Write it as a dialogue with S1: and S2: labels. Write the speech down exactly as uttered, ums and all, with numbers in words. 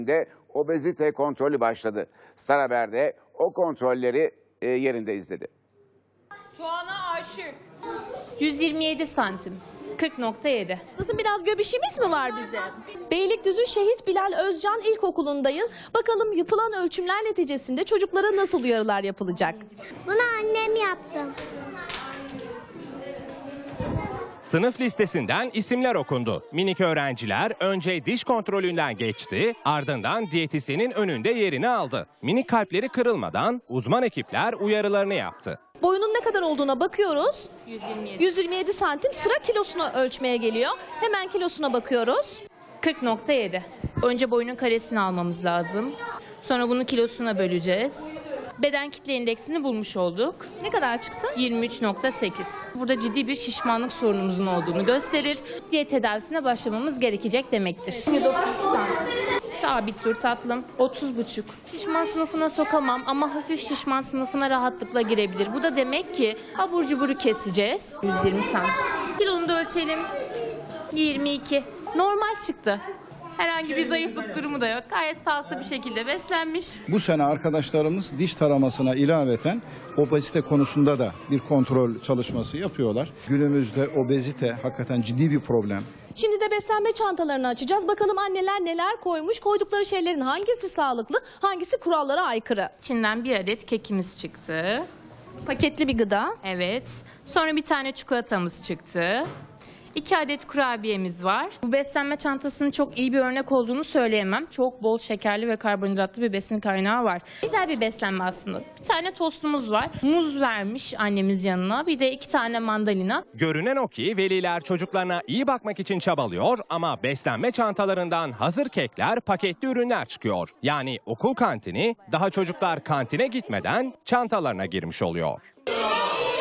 S1: de obezite kontrolü başladı. Star Haber'de o kontrolleri e, yerinde izledi.
S2: Soğana aşık.
S3: yüz yirmi yedi santim. kırk nokta yedi.
S4: Kızım biraz göbişimiz mi var bizim? Beylikdüzü Şehit Bilal Özcan İlkokulu'ndayız. Bakalım yapılan ölçümler neticesinde çocuklara nasıl uyarılar yapılacak?
S5: Bunu annem yaptı.
S6: Sınıf listesinden isimler okundu. Minik öğrenciler önce diş kontrolünden geçti, ardından diyetisyenin önünde yerini aldı. Minik kalpleri kırılmadan uzman ekipler uyarılarını yaptı.
S4: Boyunun ne kadar olduğuna bakıyoruz.
S3: yüz yirmi yedi.
S4: yüz yirmi yedi santim, sıra kilosunu ölçmeye geliyor. Hemen kilosuna bakıyoruz.
S3: kırk nokta yedi. Önce boyunun karesini almamız lazım. Sonra bunu kilosuna böleceğiz. Beden kitle indeksini bulmuş olduk.
S4: Ne kadar çıktı?
S3: yirmi üç nokta sekiz. Burada ciddi bir şişmanlık sorunumuzun olduğunu gösterir. Diyet tedavisine başlamamız gerekecek demektir. Şimdi dokuz santim. Sabit dur tatlım. otuz buçuk. Şişman sınıfına sokamam ama hafif şişman sınıfına rahatlıkla girebilir. Bu da demek ki abur cuburu keseceğiz. yüz yirmi santim. Kilonu da ölçelim. yirmi iki. Normal çıktı. Herhangi bir zayıflık durumu da yok. Gayet sağlıklı bir şekilde beslenmiş.
S7: Bu sene arkadaşlarımız diş taramasına ilaveten obezite konusunda da bir kontrol çalışması yapıyorlar. Günümüzde obezite hakikaten ciddi bir problem.
S4: Şimdi de beslenme çantalarını açacağız. Bakalım anneler neler koymuş. Koydukları şeylerin hangisi sağlıklı, hangisi kurallara aykırı.
S3: İçinden bir adet kekimiz çıktı.
S4: Paketli bir gıda.
S3: Evet. Sonra bir tane çikolatamız çıktı. İki adet kurabiyemiz var. Bu beslenme çantasının çok iyi bir örnek olduğunu söyleyemem. Çok bol şekerli ve karbonhidratlı bir besin kaynağı var. Güzel bir beslenme aslında. Bir tane tostumuz var. Muz vermiş annemiz yanına. Bir de iki tane mandalina.
S6: Görünen o ki veliler çocuklarına iyi bakmak için çabalıyor ama beslenme çantalarından hazır kekler, paketli ürünler çıkıyor. Yani okul kantini daha çocuklar kantine gitmeden çantalarına girmiş oluyor.